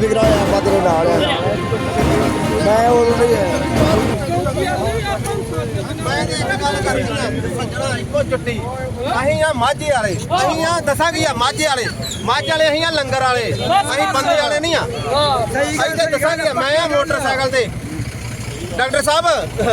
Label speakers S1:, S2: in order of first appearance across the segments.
S1: ਬੇਫਿਕਰਾ ਹੋਇਆ ਆਪਾਂ ਤੇਰੇ ਨਾਲ ਆ ਮੈਂ ਉਦੋਂ ਨਹੀਂ
S2: ਮੈਂ ਇੱਕ ਗੱਲ ਕਰਨੀ ਆ ਸੱਜਣਾ ਇੱਕੋ ਚੁੱਟੀ ਅਸੀਂ ਆ ਮਾਝੇ ਵਾਲੇ ਅਸੀਂ ਆ ਦੱਸਾਂਗੇ ਆ ਮਾਝੇ ਵਾਲੇ ਅਸੀਂ ਆ ਲੰਗਰ ਵਾਲੇ ਅਸੀਂ ਬੰਦੇ ਵਾਲੇ ਨਹੀਂ ਆ ਅਸੀਂ ਤੇ ਦੱਸਾਂਗੇ ਮੈਂ ਆ ਮੋਟਰਸਾਈਕਲ ਤੇ ਡਾਕਟਰ ਸਾਹਿਬ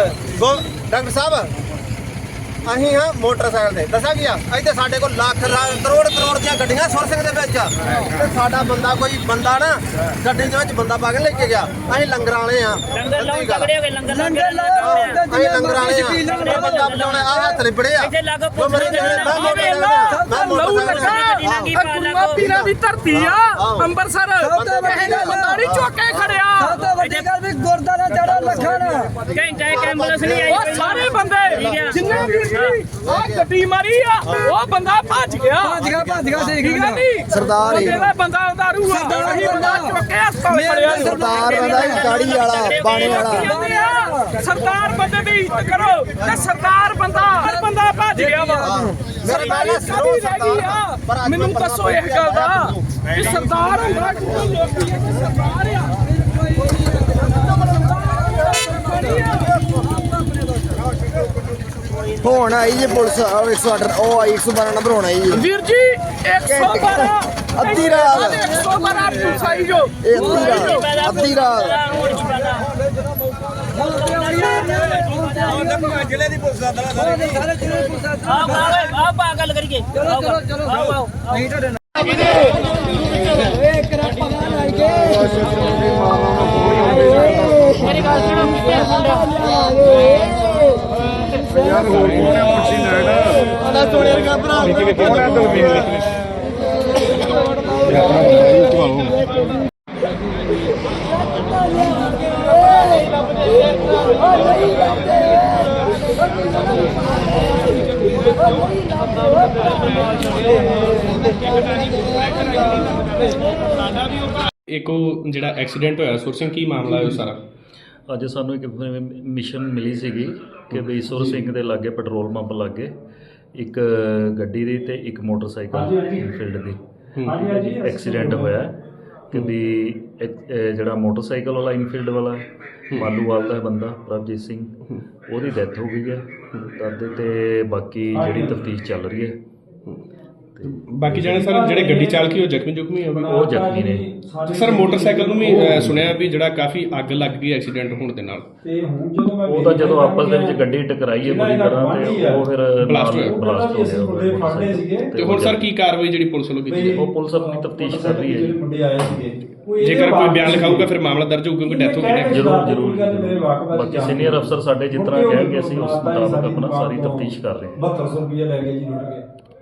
S2: ਅਸੀਂ ਹਾਂ ਮੋਟਰਸਾਈਕਲ ਤੇ ਦੱਸਾਂਗੇ ਆ ਇੱਥੇ ਸਾਡੇ ਕੋਲ ਲੱਖ ਕਰੋੜ ਦੀਆਂ ਗੱਡੀਆਂ ਸੁਰਸਿੰਗ ਦੇ ਵਿੱਚ ਤੇ ਸਾਡਾ ਬੰਦਾ ਕੋਈ ਬੰਦਾ ਨਾ ਗੱਡੀ ਦੇ ਵਿੱਚ ਬੰਦਾ ਪਾ ਕੇ ਲੈ ਕੇ ਗਿਆ ਅਸੀਂ ਲੰਗਰਾਂ ਵਾਲੇ ਆ ਅਸੀਂ ਲੰਗਰਾਂ ਵਾਲੇ ਆ ਬੰਦਾ ਬਚਾਉਣਾ ਆ ਹੱਥ ਲਿਬੜੇ ਆ ਜੋ ਮੇਰੇ ਮੈਂ ਮੋਟਰਸਾਈਕਲ
S3: ਪੀਰਾਂ ਦੀ ਧਰਤੀ ਆ ਅੰਮ੍ਰਿਤਸਰ ਬੰਦਾ ਨਹੀਂ ਚੁੱਕ ਕੇ ਖੜਿਆ
S1: ਸਭ ਤੋਂ ਵੱਡੀ ਗੱਲ ਵੀ ਗੁਰਦਾਰਾ ਜੜਾ ਲੱਖਾਂ
S3: ਘੰਟਾ ਇੱਕ ਐਂਬੂਲੈਂਸ ਨਹੀਂ ਆਈ ਉਹ ਸਾਰੇ ਬੰਦੇ ਜਿੰਨੇ ਵੀ ਆ ਗੱਡੀ ਮਾਰੀ ਆ ਉਹ ਬੰਦਾ ਭੱਜ ਗਿਆ ਸਹੀ ਗੱਲ ਨਹੀਂ
S1: ਸਰਦਾਰ ਹੀ
S3: ਜਿਹੜਾ ਬੰਦਾ ਉਦਾਰੂ ਆ ਉਹੀ ਬੰਦਾ ਚੁੱਕ ਕੇ ਹਸਪਤਾਲ ਖੜਿਆ
S1: ਸਰਦਾਰ ਬੰਦਾ ਗਾੜੀ ਵਾਲਾ ਬਾਣੇ ਵਾਲਾ
S3: ਸਰਦਾਰ ਬੰਦੇ ਦੀ ਇੱਜ਼ਤ ਕਰੋ ਤੇ ਸਰਦਾਰ ਬੰਦਾ ਭੱਜ ਗਿਆ ਵਾ ਸਰਦਾਰੀ ਸਾਡੀ ਰਹਿ ਗਈ ਆ ਮੈਨੂੰ ਦੱਸੋ ਇਹ ਗੱਲ ਦਾ ਕਿ ਸਰਦਾਰ ਹੁੰਦਾ ਕਿ ਲੋਕੀ ਇਹ ਸਰਦਾਰ ਆ
S1: ਹੁਣ ਆਈ ਜੀ ਪੁਲਿਸ 108 ਉਹ ਆਈ 112 ਨੰਬਰ ਹੋਣਾ ਜੀ
S3: ਵੀਰ ਜੀ 112
S1: ਅੱਧੀ ਰਾਤ
S3: 112 ਪੁਲਿਸ ਆਈ ਜੋ
S1: ਇਹ ਅੱਧੀ ਰਾਤ
S2: ਜ਼ਿਲ੍ਹੇ ਦੀ ਪੁਲਿਸ ਦਾ ਦਲਾ
S3: ਆ ਗੱਲ ਕਰੀਏ ਚਲੋ ਨਹੀਂ ਤੁਹਾਡੇ ਮੇਰੀ ਗੱਲ ਸੁਣੋ
S4: ਯਾਰ ਹੋਰ ਕੋਣ ਹੈ ਪੁੱਛੀ ਲੈਣਾ
S2: ਸਾਡਾ ਸੋਨੇ ਵਰਗਾ ਭਰਾ
S5: ਇੱਕ ਉਹ ਜਿਹੜਾ ਐਕਸੀਡੈਂਟ ਹੋਇਆ ਸੁਰਸਿੰਘ ਕੀ ਮਾਮਲਾ ਹੈ ਉਹ ਸਾਰਾ
S6: ਅੱਜ ਸਾਨੂੰ ਇੱਕ ਮਿਸ਼ਨ ਮਿਲੀ ਸੀਗੀ ਕਿ ਵੀ ਸੁਰ ਸਿੰਘ ਦੇ ਲਾਗੇ ਪੈਟਰੋਲ ਪੰਪ ਲਾਗੇ ਇੱਕ ਗੱਡੀ ਦੀ ਤੇ ਇੱਕ ਮੋਟਰਸਾਈਕਲ ਫੀਲਡ ਦੀ ਐਕਸੀਡੈਂਟ ਹੋਇਆ ਕਿ ਵੀ ਜਿਹੜਾ ਮੋਟਰਸਾਈਕਲ ਵਾਲਾ ਇਨਫੀਲਡ ਵਾਲਾ ਮਾਲੂਵਾਲ ਦਾ ਬੰਦਾ ਪ੍ਰਭਜੀਤ ਸਿੰਘ ਉਹਦੀ ਡੈਥ ਹੋ ਗਈ ਹੈ ਤਦ ਤੇ ਬਾਕੀ ਜਿਹੜੀ ਤਫਤੀਸ਼ ਚੱਲ ਰਹੀ ਹੈ
S5: ਬਾਕੀ ਜਾਣੇ ਸਰ ਜਿਹੜੇ ਗੱਡੀ ਚਾਲਕੀ ਉਹ ਜ਼ਖਮੀ
S6: ਉਹ ਜ਼ਖਮੀ ਨੇ
S5: ਸਰ ਮੋਟਰਸਾਈਕਲ ਨੂੰ ਵੀ ਸੁਣਿਆ ਵੀ ਜਿਹੜਾ ਕਾਫੀ ਅੱਗ ਲੱਗ ਗਈ ਐਕਸੀਡੈਂਟ ਹੋਣ ਦੇ ਨਾਲ
S6: ਉਹ ਤਾਂ ਜਦੋਂ ਆਪਸ ਦੇ ਵਿੱਚ ਗੱਡੀ ਟਕਰਾਈ ਹੈ ਬੁਰੀ ਤਰ੍ਹਾਂ ਤੇ ਉਹ ਫਿਰ ਬਲਾਸਟ ਹੋ ਗਿਆ
S5: ਤੇ ਹੁਣ ਸਰ ਕੀ ਕਾਰਵਾਈ ਜਿਹੜੀ ਪੁਲਿਸ ਵੱਲੋਂ ਕੀਤੀ
S6: ਉਹ ਪੁਲਿਸ ਆਪਣੀ ਤਫਤੀਸ਼ ਕਰ ਰਹੀ ਹੈ
S5: ਜੇਕਰ ਕੋਈ ਬਿਆਨ ਲਿਖਾਊਗਾ ਫਿਰ ਮਾਮਲਾ ਦਰਜ ਹੋਊਗਾ ਕਿਉਂਕਿ ਡੈਥ ਹੋ ਗਈ
S6: ਜ਼ਰੂਰ ਬਾਕੀ ਸੀਨੀਅਰ ਅਫਸਰ ਸਾਡੇ ਜਿਸ ਤਰ੍ਹਾਂ ਕਹਿਣਗੇ ਅਸੀਂ ਉਸ ਮੁਤਾਬਕ ਆਪਣਾ ਸਾਰੀ ਤਫਤੀਸ਼ ਕਰ ਰਹੇ ਹਾਂ
S4: 7200 ਰੁਪਏ ਲੈ ਗਏ ਜੀ ਲੁੱਟ ਕੇ